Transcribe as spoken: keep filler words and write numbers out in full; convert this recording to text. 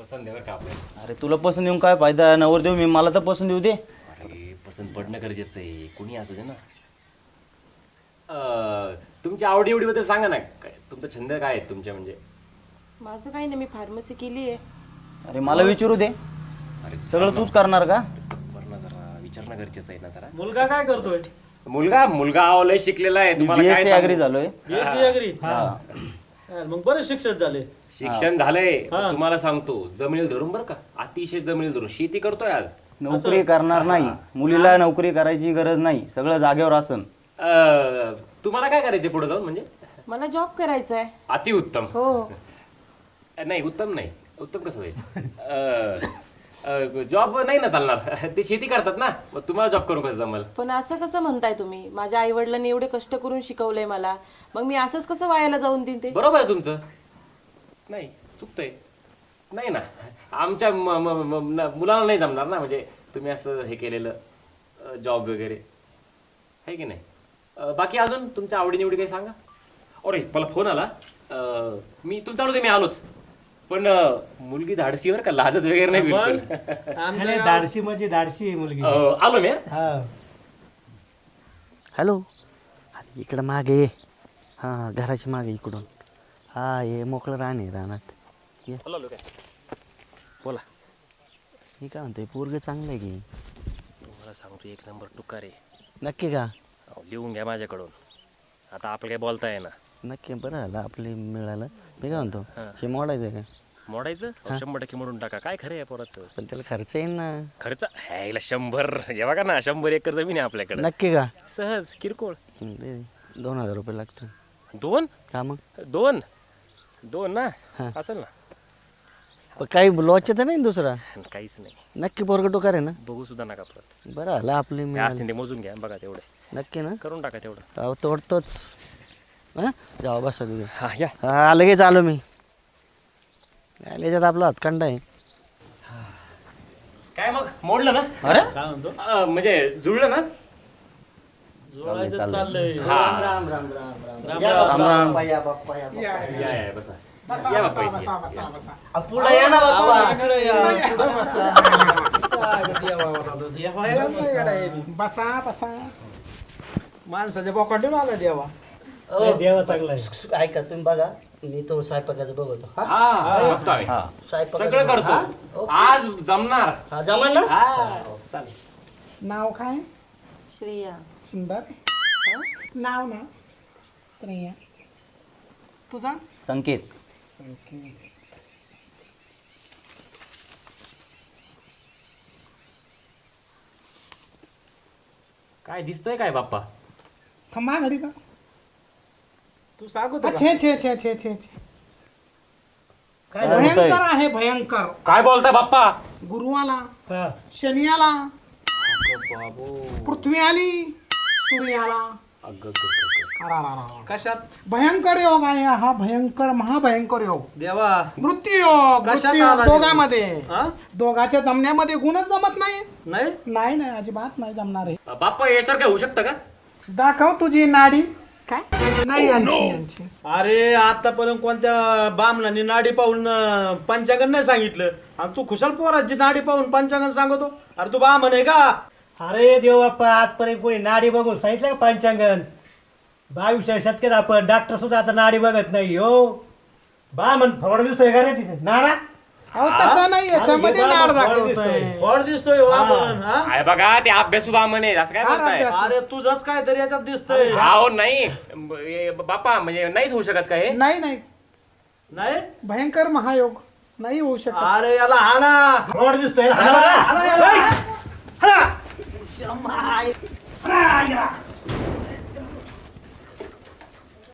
पसंत आहे का आपल्याला? अरे तुला पसंत येऊन काय फायदा, नवर देऊ मी, मला तर पसंत येऊ दे. अरे पसंत पडणं गरजेचं आहे, कोणी असू दे ना. अं, तुमच्या आवडीवडीबद्दल सांगा ना, काय तुमचा छंद काय आहे तुमच्या? म्हणजे माझं काही नाही, मी फार्मसी केली आहे. अरे मला विचारू दे, अरे सगळं तूच करणार का? बरं ना, जरा विचारणं गरजेचं आहे ना जरा. मुलगा काय करतोय? मुलगा मुलगा आवलय शिकलेला आहे, तुम्हाला काय बीएससी सांगू? अग्री झालोय. BSc agri. मग बरेच शिक्षण झाले. शिक्षण झालंय, तुम्हाला सांगतो जमिनील धरून बरं का, अतिशय जमिनील धरून शेती करतोय आज. नोकरी करणार नाही, मुलीला नोकरी करायची गरज नाही, सगळं जागेवर असन. अं, तुम्हाला काय करायचं पुढे जाऊन? म्हणजे मला जॉब करायचा आहे. अतिउत्तम. हो. नाही उत्तम नाही, उत्तम कसं होईल? जॉब नाही ना चालणार, ते शेती करतात ना, मग तुम्हाला जॉब करून कसं जमल? पण असं कसं म्हणताय तुम्ही? माझ्या आई वडिलांनी एवढे कष्ट करून शिकवलंय मला, मग मी असंच कसं वायाला जाऊन देईन ते? बरोबर आहे तुमचं, नाही चुकतंय. नाही ना, आमच्या म- म- म- न- मुलाला नाही जमणार ना, म्हणजे तुम्ही असं हे केलेलं जॉब वगैरे आहे की नाही. अं, बाकी अजून तुमच्या आवडीनिवडी काही सांगा. अरे मला फोन आला, अं, मी तुमचा आवडते, मी आलोच, पण अं, मुलगी धाडसीवर का लाजत वगैरे नाही बिलकुल. आमच्या धाडशी म्हणजे धाडशी आहे मुलगी. अं, आलो मी. हा. हॅलो, अरे इकडं मागे ये. हां घराच्या मागे इकडून. हा ये मोकळं राहणे रानात ये. आलो काय बोला. मी काय म्हणतोय, पोरगं चांगलं आहे की? तुम्हाला सांगतो एक नंबर टुकार आहे. नक्की का? अहो, लिहून घ्या माझ्याकडून, आता आपलं काही बोलता आहे ना. नक्की, बरं झालं आपले मिळालं. मी काय म्हणतो, हे मोडायचं का? मोडायचं? अहो, शंभर टक्के मोडून टाका, काय खरं आहे पोराचं. पण त्याला खर्च येईल ना. खर्च ह्याला शंभर, हे बघा ना, शंभर एकर जमीन आहे आपल्याकडे. नक्की का? सहज किरकोळ. हं, दे दे. दोन हजार रुपये लागतात. दोन? का मग? दोन दोन ना, हा. असेल ना. पण काही लॉच तर नाही ना दुसरा? काहीच नाही. नक्की पोरगं टोकार आहे ना? बघू सुद्धा नका परत. बरं झालं आपले हे मिळालं. असतील ते मोजून घ्या, बघा तेवढे नक्की ना? करून टाका तेवढं. अहो तोडतोच. हां जाऊ बसा तिथे. हा या. हा लगेच आलो मी. याच्यात आपला हातखंड आहे. काय मग मोडलं ना? अरे काय म्हणतो? अं, म्हणजे जुळलं ना? जोडायचं चाललंय. हा. राम राम राम राम राम राम राम. बाप्पा, या बाप्पा, या बाप्पा. या या बसा. या बाप्पा इथे या. पुढे या ना बाप्पा. इकडे या. बसा बसा माणसाच्या बोकाटून आला देवा. नाही, देवा चांगला आहे. ऐका तुम्ही बघा, मी तो स्वयंपाकाचं बघतो. हा हा बघतोय. स्वयंपाकाचं सगळं बघतो. हा? करतो आज जमणार. हा जमा ना. हा चालेल. नाव काय? श्रेया. सुंदर नाव ना स्त्रिया. तुझा? संकेत. संकेत. काय दिसतंय काय बाप्पा? थांबा घरी का? तू सांगतो का? छे छे छे छे छे छे. काय काय होतंय? भयंकर आहे भयंकर. काय बोलताय बाप्पा? गुरु आला, हा. शनी आला, पृथ्वी आली, सूर्य आला. कशात? भयंकर योग आहे हा, भयंकर महाभयंकर योग. देवा. मृत्यू योग, कशात मृत्यू योग आला देवा? दोघांमध्ये. हा? दोघांच्या जमण्यामध्ये गुणच जमत नाही. नाही. नाही नाही अजिबात नाही जमणार आहे. बाप्पा याच्यावर काय होऊ शकतं का? दाखव तुझी नाडी. काय? नाही यांची यांची. अरे आतापर्यंत कोणत्या बामणाने नाडी पाहून अं, पंचांगण नाही सांगितलं, आणि तू खुशाल पोराची नाडी पाहून पंचांगण सांगतो? अरे तू बामण आहे का? अरे देव बाप्पा, आजपर्यंत कोणी नाडी बघून सांगितलं का पंचांगण? बावीसच्या शतकात आपण डॉक्टर सुद्धा आता नाडी बघत नाही. हो बा म्हण फवड दिसतोय का रे तिथे नाडा? अहो तसं नाही याच्यामध्ये अरे, नाड हे बाबा, दाखवतोय. फळ दिसतोय बामण. हा? आहे बघा ते अभ्यासू बामण आहे, असं काय फार बोलताय? अभ्यास. अरे तुझंच काय तरी याच्यात दिसतंय. हो नाही ब- हे बाप्पा, म्हणजे नाहीच होऊ शकत का हे? नाही नाही नाही. भयंकर महायोग नाही होऊ शकत. अरे याला हाना. फवड दिसतोय हाणा बरं. हाणा.